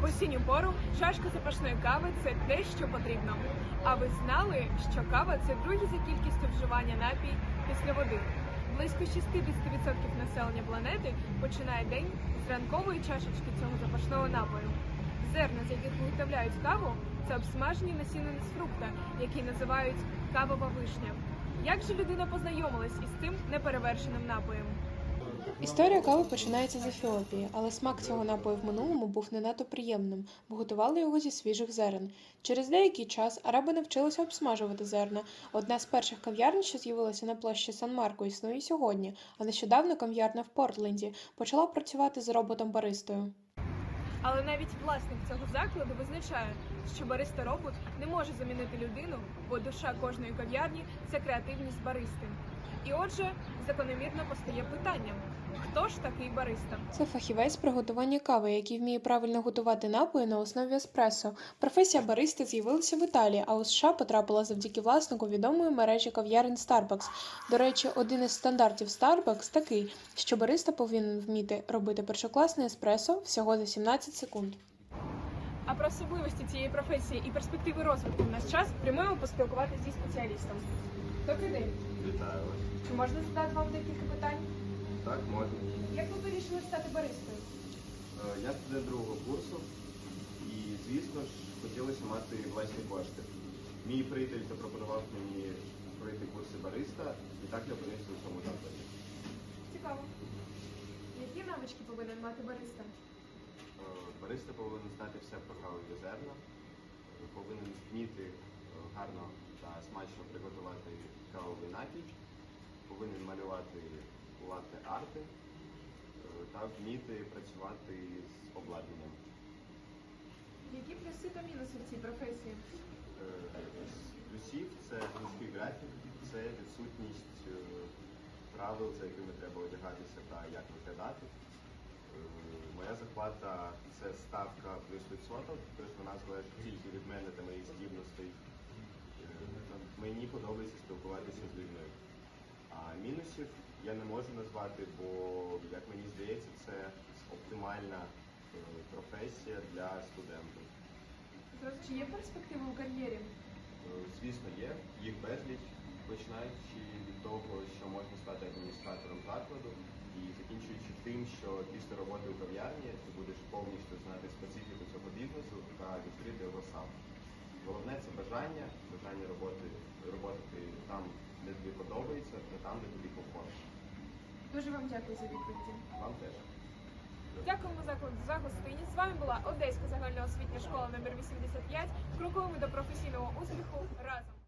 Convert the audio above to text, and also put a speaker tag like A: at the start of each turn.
A: осінню пору чашка запашної кави – це те, що потрібно. А ви знали, що кава – це другий за кількістю вживання напій після води? Близько 60% населення планети починає день з ранкової чашечки цього запашного напою. Зерна, з яких виготовляють каву, це обсмажені насінини з фрукта, які називають кавова вишня. Як же людина познайомилась із цим неперевершеним напоєм?
B: Історія кави починається з Ефіопії, але смак цього напою в минулому був не надто приємним, бо готували його зі свіжих зерен. Через деякий час араби навчилися обсмажувати зерна. Одна з перших кав'ярень, що з'явилася на площі Сан-Марко, існує і сьогодні, а нещодавно кав'ярня в Портленді почала працювати з роботом-баристою.
A: Але навіть власник цього закладу визначає, що бариста-робот не може замінити людину, бо душа кожної кав'ярні – це креативність баристи. І отже, закономірно постає питання – хто ж такий бариста?
B: Це фахівець приготування кави, який вміє правильно готувати напої на основі еспресо. Професія баристи з'явилася в Італії, а у США потрапила завдяки власнику відомої мережі кав'ярень Starbucks. До речі, один із стандартів Starbucks такий, що бариста повинен вміти робити першокласне еспресо всього за 17 секунд.
A: А про особливості цієї професії і перспективи розвитку в наш час прямуємо поспілкуватися зі спеціалістом. Добрий день.
C: Вітаю вас.
A: Чи можна задати вам декілька питань?
C: Так, можна.
A: Як ви вирішили стати баристою?
C: Я студент другого курсу і, звісно ж, хотілося мати власні кошти. Мій приятель запропонував мені пройти курси бариста, і так я опинився у цьому закладі.
A: Цікаво. Які навички повинен мати бариста?
C: Бариста повинен знати все про кавові зерна, повинен вміти гарно та смачно приготувати кавовий напій, повинен малювати латте-арти та вміти працювати з обладнанням.
A: Які плюси та мінуси в цій професії?
C: З плюсів це жорсткий графік, це відсутність правил, за якими треба одягатися та як виглядати. Моя зарплата – це ставка плюс відсоток, тобто вона залежить тільки від мене та моїх здібностей. Мені подобається спілкуватися з людьми. А мінусів я не можу назвати, бо, як мені здається, це оптимальна професія для студентів.
A: Чи є перспективи у кар'єрі?
C: Звісно, є. Їх безліч, починаючи від того, що можна стати адміністратором закладу, і закінчуючи тим, що після роботи у кав'ярні ти будеш повністю знати специфіку цього бізнесу та відкрити його сам. Головне – це бажання роботи там, де тобі подобається, та там, де тобі комфортно.
A: Дуже вам дякую за відповіді.
C: Вам теж.
A: Дякуємо закладу за гостинність. З вами була Одеська загальноосвітня школа номер 85. Крокуємо до професійного успіху разом.